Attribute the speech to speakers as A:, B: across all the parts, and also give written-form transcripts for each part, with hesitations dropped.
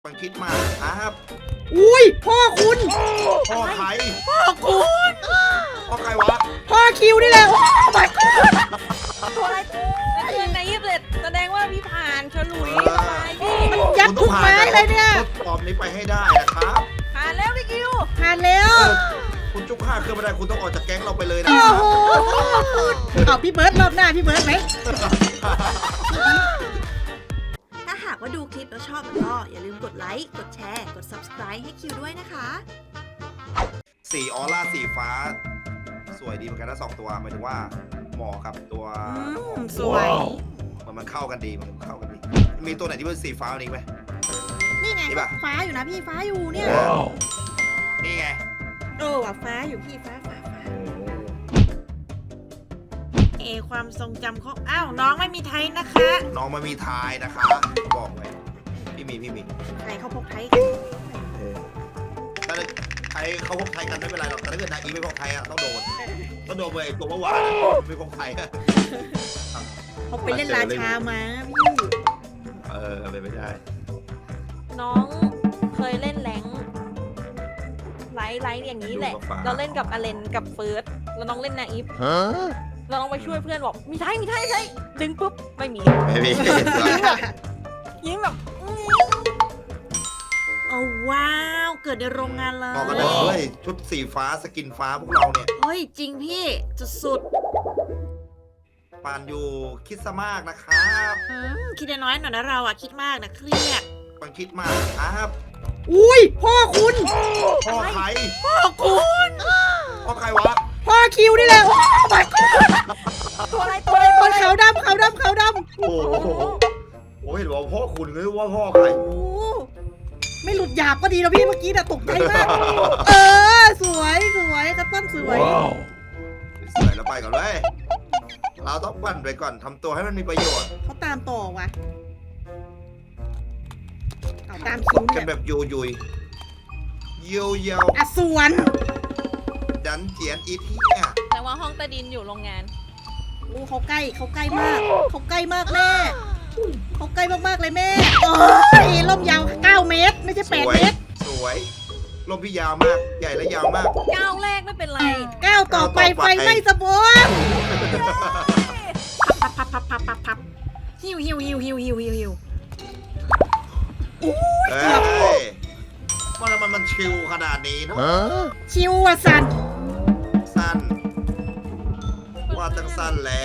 A: มันคิดมากครับ
B: อุ้ยพ่อคุณ
A: พ่อใคร
B: พ่อคุณ
A: พ่อใครวะ
B: พ่อคิวนี่แหละโอ้ my god
C: ตัวอะไรนั่นคือในยี่สิบเอ็ดแสดงว่าพี่ผ่านฉลุยสบายพี่
B: มันยัดทุกไม้เลยเนี่ย
A: ทดสอบนี้ไปให้ได้นะครับ
C: ผ่านแล้วพี่คิว
B: ผ่านแล้ว
A: คุณจุกฆ่าเครื่องไม่ได้คุณต้องออกจากแก๊งเราไปเลยนะ
B: โอ้
A: ครับ
B: โหเอาพี่เบิร์ดรอบหน้าพี่เบิร์ดไหม
D: ถ้าหากว่าดูคลิปแล้วชอบก็อย่าลืมกดไลค์ กดแชร์ กด subscribe ให้คิวด้วยนะคะ
A: สีออร่าสีฟ้า สวยดีเหมือนกันนะ2ตัวหมายถึงว่าหมอกับตัว
B: สวย
A: มันเข้ากันดีมันเข้ากันดี มีตัวไหนที่เป็นสีฟ้าอีกไหม
B: นี่ไง
A: นี่ปะ
B: ฟ้าอยู่นะพี่ฟ้าอยู่เนี่ย
A: นี่ไง
B: โอ้ว่ะฟ้าอยู่พี่ฟ้าความทรงจำของอ้าวน้องไม่มีไทยนะคะ
A: น้องมันมีทายนะคะบอกเลยพี่มี
B: ใครเขาพกไทย
A: ถ้าไทยเขาพกไทยกันไม่เป็นไรหรอกแต่ถ้าเกิดนายอีไม่พกไทยอะต้องโดนเลยไอ้ตัวเมื่อวานไม่พกไทยอะ
B: เขาไปเล่นราชามาพี่
A: ไปไม่ได้
C: น้องเคยเล่นแรงไลท์อย่างนี้แหละ เราเล่นกับอเลนกับเฟิร์สแล้วน้องเล่นนาอีฟเราต้องไปช่วยเพื่อนบอกมีไทยดึงปุ๊บไม่มี
A: ไม่มี
C: ยิ้มแบบ
B: โอ้ว้าวเกิดในโรงงานเล
A: บอกกันเลย ยชุดสีฟ้าสกินฟ้าพวกเราเนี่ย
B: เฮ้ยจริงพี่สุด
A: ปานอยู่คิดซะมากนะครับ
B: คิดน้อยหน่อยนะเราอะคิดมากนะเครียด
A: มันคิดมากครับ
B: อุ้ยพ่อคุณ
A: พ่อใคร
B: พ่อคุณ
A: พ่อใครวะ
B: พ่อคิวนี่แหละโอ้ my god
C: ตัวอะไร
B: คนขาวดำขาวดำขาวดำ
A: โอ้โหเห็นว่าพ่อคุณหรือว่าพ่อใคร
B: โอ้ไม่หลุดหยาบก็ดีนะพี่เมื่อกี้น่ะตกใจมากสวยกระต้นสวย
A: สวยแล้วไปก่อนเลยเราต้องปั่นไปก่อนทำตัวให้มันมีประโยชน์
B: เขาตามต่อว่ะเอาตามคิว
A: กั
B: เนี่
A: น
B: ย
A: แบบยูยุยเยียว
B: อ่ะสวน
A: ดันเจียนอีเทีย
C: แต่ว่าห้องใต้ดินอยู่โรงงาน
B: โอ้เขาใกล้มากเขาใกล้มากแม่เขาใกล้มากๆเลยแม่โอ้ยล่มยาว9 เมตร ไม่ใช่8 เมตร
A: สวยลมพี่ยาวมาก ใหญ่และยาวมาก
C: ก้าวแรกไม่เป็นไร
B: ก้าวต่อไปไฟไหม้สะบงพับหิวอู้ย
A: เฮ้
B: เกือบ
A: ยมันชิลขนาดนี้เนอะ
B: ชิวอ่ะสัน
A: สั้นว่าตั้งสั้นแหละ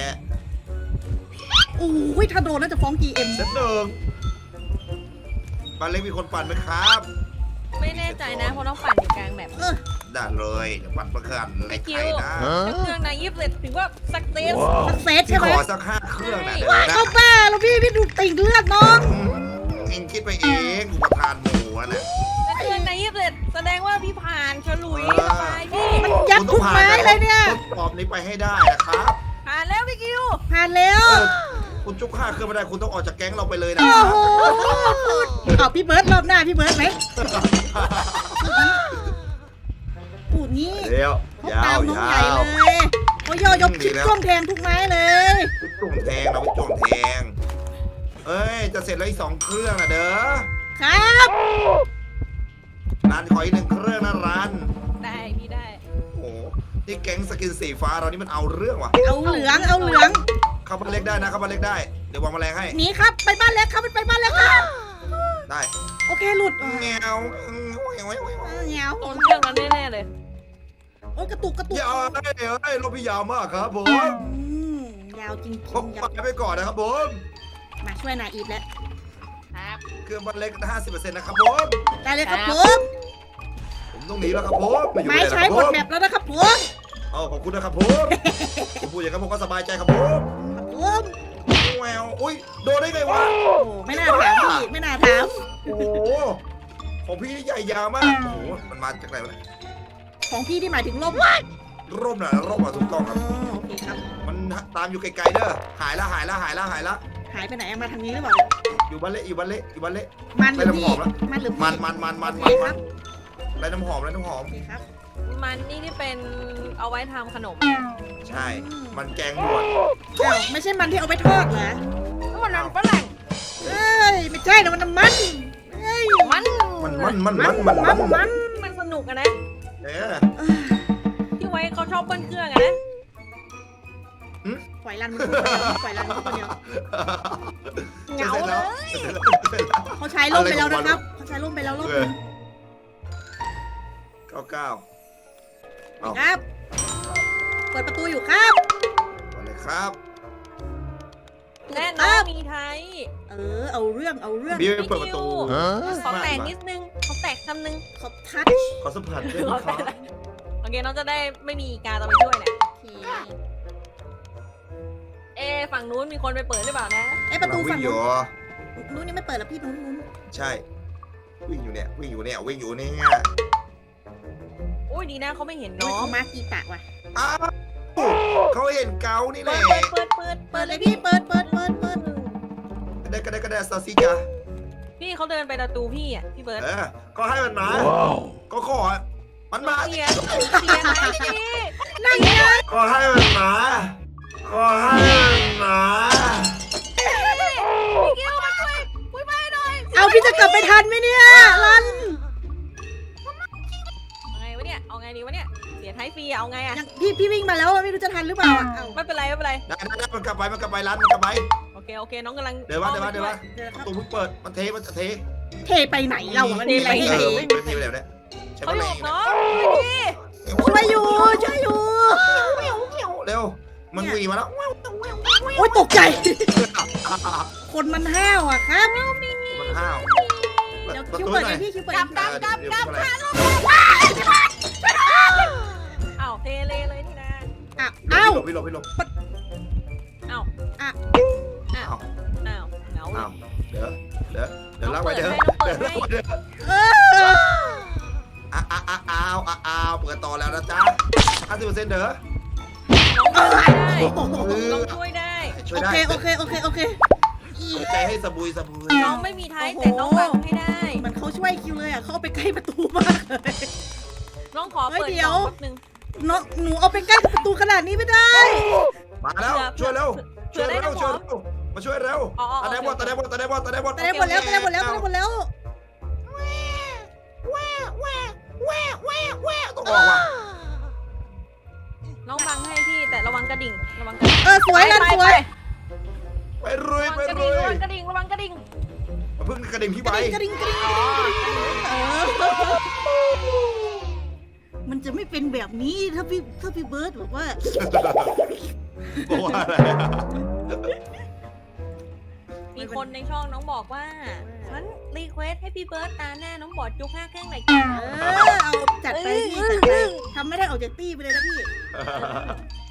B: อู้ยถ้าโดนน่าจะฟ้อง GM
A: เซตหนึ่งบ้านเล็กมีคนปั่นไหมครับ
C: ไม่แน่ใจนะเพราะน้องปั่นอยู่กลางแบบ
A: ได้เลยเดี๋ยวปั่นประกันเล็ก
C: คิ
A: ไข่
C: ว
A: นะ
C: เครื่องในยี่สิบเอ็ดถือว่าสักเซส
B: สักเซต
A: พี่
B: ใช่ไห
A: ข
B: ม
A: อสัก5 เครื่องนะเดี๋ยว
B: ว้าย
A: นะ
B: เข้าบ้าแล้วพี่ดูติ่งเลือดน้อง
A: เองคิดไปเองอุปทานหมูอะนะ
C: นั่นคือในยี่สิบเอ็ดแสดงว่าพี่ผ่านฉลุยสบายพี่
B: มันยัดทุกไม้เลยเนี่ย
A: ทดสอบนี้ไปให้ได้นะครับ
C: ผ่านแล้วพี่คิว
B: ผ่านแล้ว
A: คุณจุกฆ่าเครื่องไม่ได้คุณต้องออกจากแก๊งเราไปเลยนะ
B: โอ้
A: ครับ
B: โหเอาพี่เบิร์ดรอบหน้าพี่เบิร์ดไหมปูดนี้
A: เดี๋ยว
B: เขา
A: ยา
B: ตาม
A: ว
B: น้อง
A: ยา
B: ใหญ่
A: ว
B: เลยเขาย่อยกคลิปช่วงแทงทุกไม้เลย
A: จุ่มแทงเราไปจุ่มแทงเอ้ยจะเสร็จแล้วอีก2 เครื่องนะเด้อ
B: ครับ
A: ร้านขออีก1 เครื่องนะร้าน
C: ได้พี่ได้
A: โอ้โหนี่แก๊งสกินสีฟ้าเรานี่มันเอาเรื่องว่ะ
B: เอาเหลือง
A: เข้าบ้านเล็กได้นะเข้าบ้านเล็กได้เดี๋ยววางแมลงให้
B: หนีครับไปบ้านเล็กครับไปบ้านเล็กครับ
A: ได้
B: โอเคหลุด
A: แงว
B: เงี้ยว
C: โดนเครื่องนั้นแน่ๆเลย
B: โอ้ยกระตุก
A: ยาวเอ้ยรถพี่ยาวมากครับผม
B: ยาวจริง
A: ผม
B: ๆ
A: ไปก่อนนะครับผม
B: มาช่วยนายอีฟแล้ว
C: ครับ
A: เครื่องบ้านเล็ก 50% นะครับผม
B: ได้เลยครับผม
A: ผมต้องหนีแล้วครับผมอยู่
B: ไม้
A: เลย
B: ใช้
A: นะครับ
B: หมดแบบแล้วนะครับผม
A: ขอบคุณนะครับผมผมพูดอย่างนั้นผมก็สบายใจครับผม
B: ผม
A: แววอุ้ยโดนได้ไงวะ
B: โอ้ไม่น่าถามพี่ไม่น่าถาม
A: โอ้โหของพี่นี่ใหญ่ยาวมากโอ้โหมันมาจากไหนวะเนี่ย
B: ของพี่ที่หมายถึงล่ม
A: ร่มน่ะร่มอ่ะถูกต้องครับ
B: โอเคครับ
A: มันตามอยู่ไกลๆเด้อหายละ
B: หายไปไหนมาทางนี้หรือเปล่า
A: อยู่บ้านเละอยู่บ้านเละอยู่บ้านเละ
B: มันหรือพี่
A: ไปน้ำหอมแล้ว
B: มันหรือพี่
A: มัน
B: โอเคครับ
A: ไรน้ำหอม
B: โอเคครับ
C: มันนี่ที่เป็นเอาไว้ทำขนม
A: ใช่ มันแกงบวช
B: อ้าวไม่ใช่มันที่เอาไปทอดเหรอ
C: ก็มันฝรั่ง
B: เอ้ยไม่ใช่นะมันน้ำมันเอ้ย
C: มัน
A: มัน
C: สนุกอะนะ
A: เออ
C: พี่ไว้เขาชอบเบิ้ลเครื่องอะนะ
B: ปล่อยรันมันพูดคนเดียวปล่อยรันมันพูดคนเดียว
C: เหงาเลย
B: เขาใช้ร่มไปแล้วนะครับเขาใช้ร่มไปแล้วรอบนึง
A: 99เอา
B: ครับ เปิดประตูอยู่ครับ
A: ก่อนเลยครับ
C: และน้องมีไทย
B: เอาเรื่อง
A: พี่ไปเปิดประตู
C: ขอแตกนิดนึงขอแตกคำนึง
B: ขอบทัช
A: ขอสัมผัสด้วยนะครับ
C: โอเคน้องจะได้ไม่มีอีกาตามไปช่วยแหละ
B: โอเค
C: ฝั่งนู้นมีคนไปเปิดหรือเปล่านะ
B: ประตูฝั่ง
A: วิ่งอยู่
B: นู้นนี่ไม่เปิดแล้วพี่นู้น
A: ใช่ วิ่งอยู่เนี่ย
C: อุ้ยดีนะเขาไม่เห็น
B: น้
C: น้
B: อ
C: องง
B: มากีตะว่ะ
A: อ้าวเขาเห็นเกานี่แห
C: เปิ
A: ละ
C: ดเปิด
B: เปิดเลยพี่เปิด
A: ก็ได้ซาซิจ้า
C: พี่เขาเดินไปประตูพี่อ่ะพี่เบิร์ด
A: ก็ให้มันมาก็ขอมันมา
C: เสียไหมพี่
B: นั่งไง
A: ก็ให้มันมาก็ให้มันมา
C: พี่เกี้ยวมาช่วยคุยไปหน่อย
B: เอาพี่จะกลับไปทันไหมเนี่ยรัน
C: เอาไงวะเนี่ยเอาไงดีวะเนี่ยเสียท้ายฟรีเอาไงอะ
B: ยังพี่วิ่งมาแล้วไม่รู้จะทันหรือเปล่าเอา
C: ไม่เป็นไรไม่เป็นไร
A: ได้มันกลับไปร้านมันกลับไป
C: โอเคน้องกำลัง
A: เดี๋ยวว่า
B: เดี๋ยวค
A: ป
B: รับ
A: ระตูเพิ่งเปิดมันจะเท
B: เทไปไหนเรามันมีอะไรให้
A: เอ
B: เท
A: อเป็นทีแบบนี้ใช่
C: เขา
A: ไหม
C: อยู่กับน้องพี่
B: ช่วยอยู่
A: เร็วมันวิ่งมาแล้ว
B: โอ๊ยตกใจ คนมันห้าวอะครับ
A: มันห้าว
B: เดี๋ยวคิวเปิดเองพี่คิวเปิดเอง
C: กลับอ้าวเทเลยนี่นะ
B: เอ้า
A: พี่หลบ
C: อ้าว
B: อ่ะ
C: อ้าวเหงา
A: อ้าวเดี๋ยวลากไปเดี๋ยว
B: เออ
A: อ้าวเปิดต่อแล้วนะจ๊ะ50%เด้อ
C: น้องช่วยได้
A: ช่วย
B: โอ
A: ได้
B: เคโอเค
A: ใจให้สบุย
C: น้องไม่มีท้ายแต่น้องบังให้ได้
B: เหมือนเขาช่วยคิวเลยอ่ะเขาเอาไปใกล้ประตูมากเลย
C: น้องขอเปิด
B: เดี๋ยว
C: แป๊บนึง
B: น้องหนูเอาไปใกล้ประตูขนาดนี้ไม่ได้
A: มาแล้วช่วยเร็วมาช่วยเร็วตาแดงบอล
B: แต่ได้หมดแล้วต้องออกว่ะ
C: น้องบังให้พี่แต่ระวังกระดิ่ง
B: สวยรันสวย
A: ไปรุย
C: ระวังกระดิ่ง
A: มาพึ่งกระดิ่งพี่ใบ
B: กระดิ่งมันจะไม่เป็นแบบนี้ถ้าพี่เบิร์ดบอกว่า
A: บอกว่าอะไร
C: มีคนในช่องน้องบอกว่าฉันรีเควสให้พี่เบิร์ตตาแน่น้องบอดจุก5 แข้งไหนกัน
B: เอาจัดไปพี่จัดไปทำไม่ได้ออกจากตี้ไปเลยนะพี่